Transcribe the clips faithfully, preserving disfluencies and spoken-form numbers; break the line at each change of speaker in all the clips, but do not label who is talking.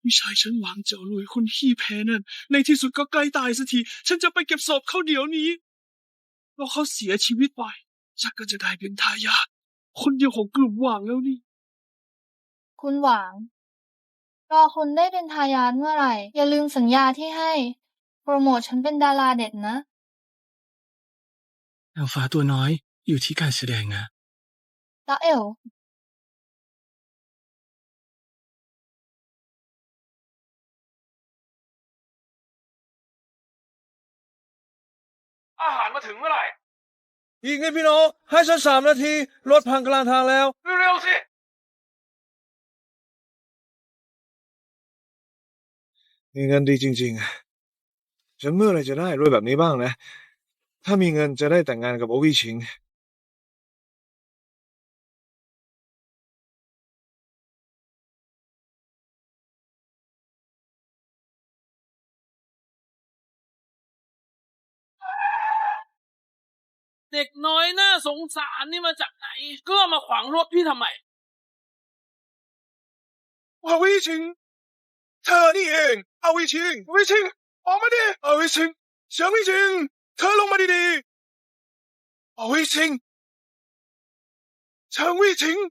พี่ชายฉันหวังเจ้ารวยคนขี้แพ้นั่นในที่สุดก็ใกล้ตายสักทีฉันจะไปเก็บศพเขาเดี๋ยวนี้เพราะเขาเสียชีวิตไปฉันก็จะได้เป็นทายาทคนเดียวของกลุ่มหวังแล้วนี่
คุณหวังรอคุณได้เป็นทายาทเมื่อไหร่อย่าลืมสัญญาที่ให้โปรโมทฉันเป็นดาราเด็ดนะ
แอลฟ้าตัวน้อยอยู่ที่การแสดงนะ
แล้วเอล
อาหารมาถึงเมื่อไหร่
อีกนิดพี่น้องให้ฉันสามนาทีรถพังกลางทางแล้ว
เร็วๆสิ
มีเงินดีจริงๆฉันเมื่อไรจะได้รวยแบบนี้บ้างนะถ้ามีเงินจะได้แต่งงานกับโอวิชิง
เด็กน้อยน่าสงสารนี่มาจากไหนก็มาขวางรถพี่ทำไม
โอวิชิงเธอนี่เองโอวิชิงโอวิชิงออกมาดิโอวิชิงเฉิงวิชิงเธอลงมาดีๆโอวิชิงเฉิงวิชิง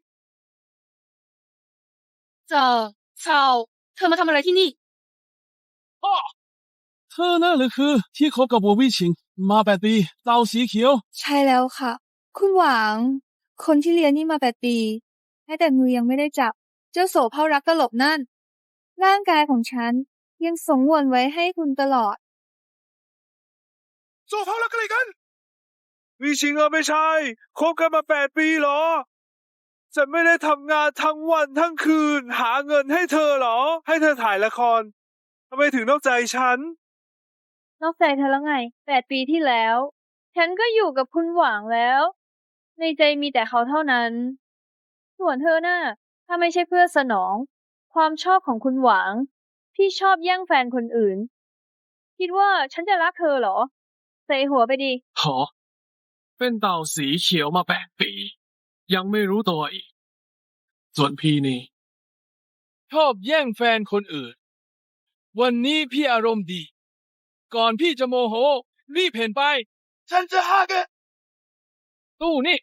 เจอชาวเธอมาทำอะไรที่นี่
พ่อ
เธอนั่นหรือคือที่คบกับโบวี่ชิงมาแปดปีเต่าสีเขียว
ใช่แล้วค่ะคุณหวังคนที่เรียนนี่มาแปดปีแต่มือยังไม่ได้จับเจ้าโสเภารักตลบนั่นร่างกายของฉันยังสงวนไว้ให้คุณตลอด
โซเฟารักอะไรกันวิชิงเออไม่ใช่คบกันมาแปดปีเหรอฉันไม่ได้ทำงานทั้งวันทั้งคืนหาเงินให้เธอเหรอให้เธอถ่ายละครทำไมถึงนอกใจฉัน
นอกใจเธอแล้วไงแปดปีที่แล้วฉันก็อยู่กับคุณหวังแล้วในใจมีแต่เขาเท่านั้นส่วนเธอน่ะถ้าไม่ใช่เพื่อสนองความชอบของคุณหวังที่ชอบแย่งแฟนคนอื่นคิดว่าฉันจะรักเธอเหรอใส่หัวไปดิ
หอเป็นเต่าสีเขียวมาแปดปียังไม่รู้ตัวอีกส่วนพี่นี่ชอบแย่งแฟนคนอื่นวันนี้พี่อารมณ์ดีก่อนพี่จะโมโหรีบเห็นไป
ฉันจะหาแก
ตู้นี่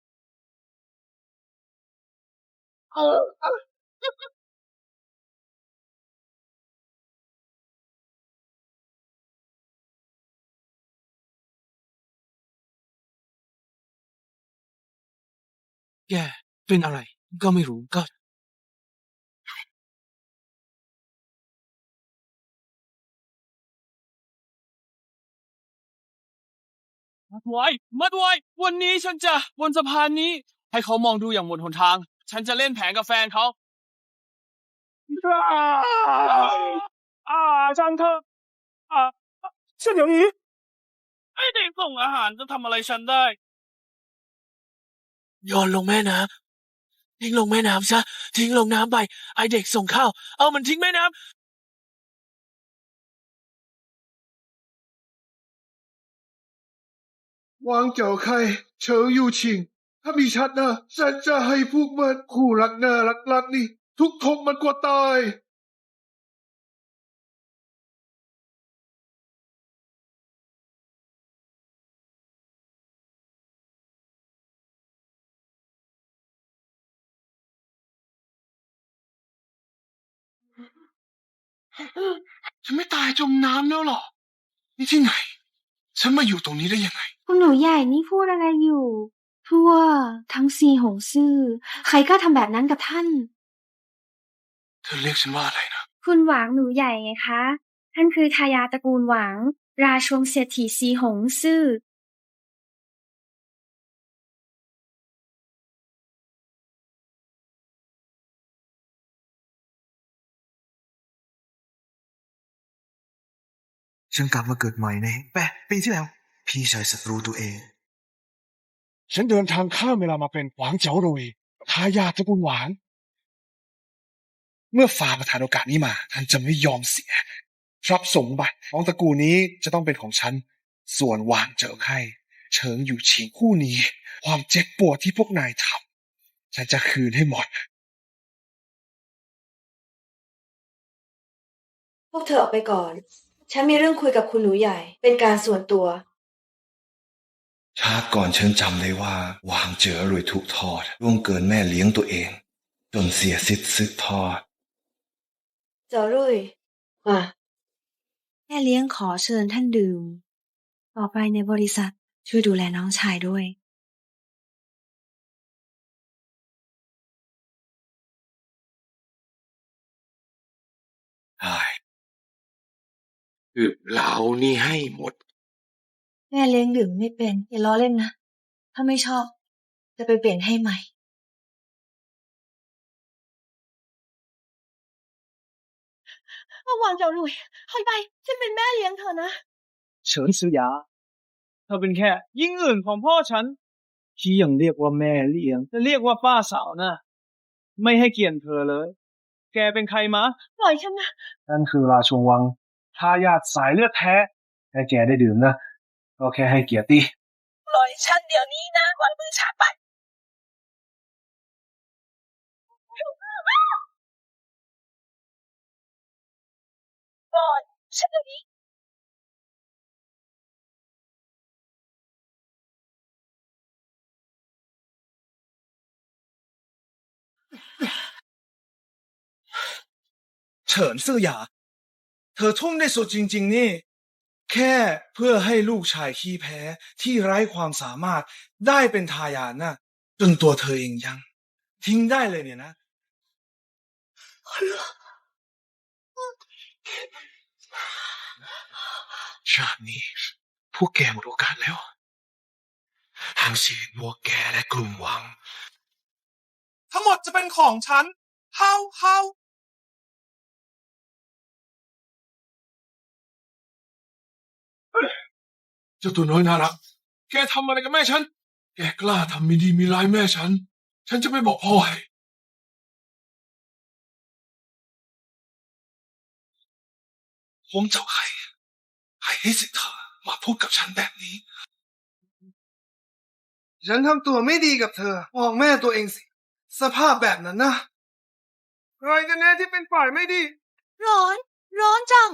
เออ
แกเป็นอะไรก็ไม่รู้ก็มาดไว้มาดไว้วันนี้ฉันจะบนสะพานนี้ให้เขามองดูอย่างหมดหนทางฉันจะเล่นแผนกับแฟนเขา
อ่าจังเธออ่าฉันเดี๋ยวนี้
ไอเด็กส่งอาหารจะทำอะไรฉันได้
โยนลงแม่น้ำทิ้งลงแม่น้ำซะทิ้งลงน้ำไปไอเด็กส่งข้าวเอามันทิ้งแม่น้ำ
วางเจ้าใครเฉิงอยู่ชิงถ้ามีชัดนะฉันจะให้พวกมันคู่รักน่ารักรักนี่ทุกทงมันกว่าตาย
ฉันไม่ตายจมน้ำแล้วหรอนี่ที่ไหนฉันมาอยู่ตรงนี้ได้ยังไง
คุณหนูใหญ่นี่พูดอะไรอยู่ทั่วทั้งซีหงซื่อใครกล้าทำแบบนั้นกับท่าน
เธอเรียกฉันว่าอะไรนะ
คุณหวังหนูใหญ่ไงคะท่านคือทายาทตระกูลหวังราชวงศ์เศรษฐีซีหงซื่อ
ฉันกลับมาเกิดใหม่ในแปดปีที่แล้วพี่ชายศัตรูตัวเอง
ฉันเดินทางข้ามเวลามาเป็นหวางเจ๋าโรยทายาทตระกูลหวานเมื่อฟ้าประทานโอกาสนี้มาท่านจะไม่ยอมเสียทรัพย์สมบัติของตระกูลนี้จะต้องเป็นของฉันส่วนหวานเจ๋อไข่เฉิงอยู่ฉิงคู่นี้ความเจ็บปวดที่พวกนายทำฉันจะคืนให้หมด
พวกเธอออกไปก่อน ฉันมีเรื่องคุยกับคุณหนูใหญ่ เป็นการส่วนตัว
ชาติก่อนฉันจำได้ว่าหวางเจ๋อรวยถูกทอดล่วงเกินแม่เลี้ยงตัวเอง จนเสียสิทธิ์สืบทอด
เจ้ารุ่ยมา
แม่เลี้ยงขอเชิญท่านดื่ม ต่อไปในบริษัทช่วยดูแลน้องชายด้วย
ใช่คือเรานี่ให้หมด
แม่เลี้ยงดื่มไม่เป็นอย่าล้อเล่นนะ ถ้าไม่ชอบ จะไปเปลี่ยนให้ใหม่
ระวังเจ้าลุยถอยไปฉันเป็นแม่เลี้ยงเธอนะ
เฉินซือยาเธอเป็นแค่ยิ่งอื่นของพ่อฉันที่ยังเรียกว่าแม่เลี้ยงจะเรียกว่าป้าสาวนะไม่ให้เกียรติเธอเลย แกเป็นใครมะ
ปล่อยฉันนะ
นั่นคือราชวงศ์วังทายาทสายเลือดแท้แค่แกได้ดื่มนะก็แค่ให้เกียรติ
ปล่อยฉันเดี๋ยวนี้นะวางมือฉันไปปล่อยฉันเดี๋ยวนี้
เฉินซื่อหยาเธอทุ่มได้สุดจริงๆนี่แค่เพื่อให้ลูกชายขี้แพ้ที่ไร้ความสามารถได้เป็นทายาทนะจนตัวเธอเองยังทิ้งได้เลยเนี่ยนะชาตินี้พวกแกหมดโอกาสแล้วทั้งชีวิตพวกแกและกลุ่มวังทั้งหมดจะเป็นของฉันเฮาเฮาเจ้าตัวน้อยน่ารักแกทำอะไรกับแม่ฉันแกกล้าทำไม่ดีมีร้ายแม่ฉันฉันจะไม่บอกพ่อให้ผมเจ้าใครใครให้สิทธิ์เธอมาพูดกับฉันแบบนี้ฉันทำตัวไม่ดีกับเธอมองแม่ตัวเองสิสภาพแบบนั้นนะใครกันแน่ที่เป็นฝ่ายไม่ดี
ร้อน ร้อนจัง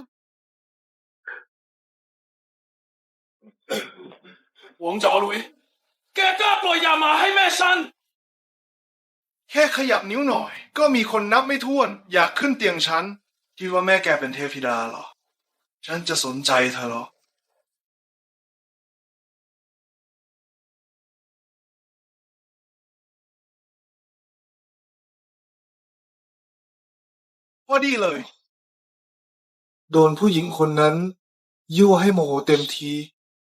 หวงเจ๋อหลุยแกกล้าปล่อยยามาให้แม่ฉัน
แค่ขยับนิ้วหน่อย ก็มีคนนับไม่ถ้วนอยากขึ้นเตียงฉันคิดว่าแม่แกเป็นเทพธิดาเหรอฉันจะสนใจเธอเหรอพอดีเลยโดนผู้หญิงคนนั้นยั่วให้โมโหเต็มที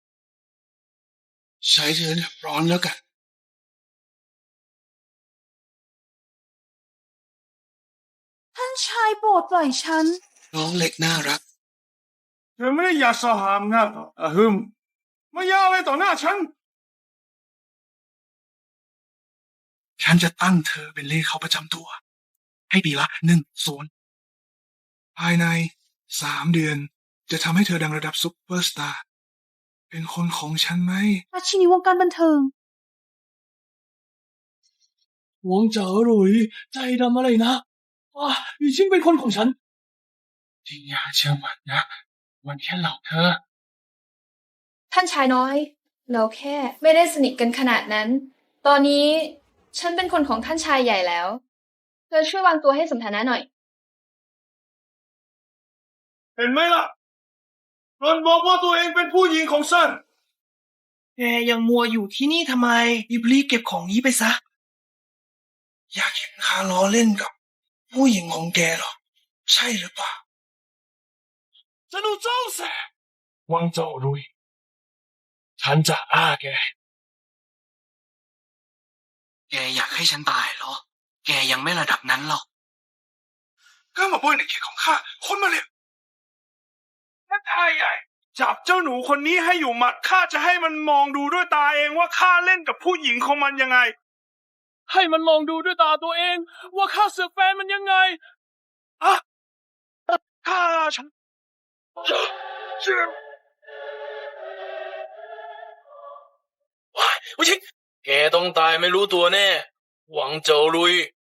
ใช้เธอเรียบร้อนแล้วกัน
ท่านชายโปรดปล่อยฉัน
น้องเล็กน่ารักเธอไม่ได้อยากสหามนะอะฮึมมายาอะไรต่อหน้าฉันฉันจะตั้งเธอเป็นเลขเข้าประจำตัวให้ปีละหนึ่งศูนย์ภายในสามเดือนจะทำให้เธอดังระดับซุปเปอร์สตาร์เป็นคนของฉันไหม
ราชินีวงการบันเทิง
หวงเจ๋อหลุยใจดำอะไรนะว้าอีชิงเป็นคนของฉันจริงอย่าเชื่อมันนะมันแค่หลอกเธอ
ท่านชายน้อย เราแค่ไม่ได้สนิทกันขนาดนั้น ตอนนี้ฉันเป็นคนของท่านชายใหญ่แล้วเธอช่วยวางตัวให้สมฐานะหน่อย
เห็นไหมล่ะรอนบอกว่าตัวเองเป็นผู้หญิงของฉันแกยังมัวอยู่ที่นี่ทำไมรีบๆเก็บของนี้ไปซะอยากเห็นข้าล้อเล่นกับผู้หญิงของแกหรอใช่หรือเปล่าจะดูเจ้าแสวังเจ้ารุยฉันจะอ้าแกแกอยากให้ฉันตายเหรอแกยังไม่ระดับนั้นหรอกก็มาบ้วยในเขตของข้าคนมาเร็วท่านทายใหญ่จับเจ้าหนูคนนี้ให้อยู่หมัดข้าจะให้มันมองดูด้วยตาเองว่าข้าเล่นกับผู้หญิงของมันยังไง
ให้มันมองดูด้วยตาตัวเองว่าข้าเสือกแฟนมันยังไง
อะข้าฉันเชื่อ
ว้ายไม่ใช่แกต้องตายไม่รู้ตัวแน่หวังเจ๋อหลุย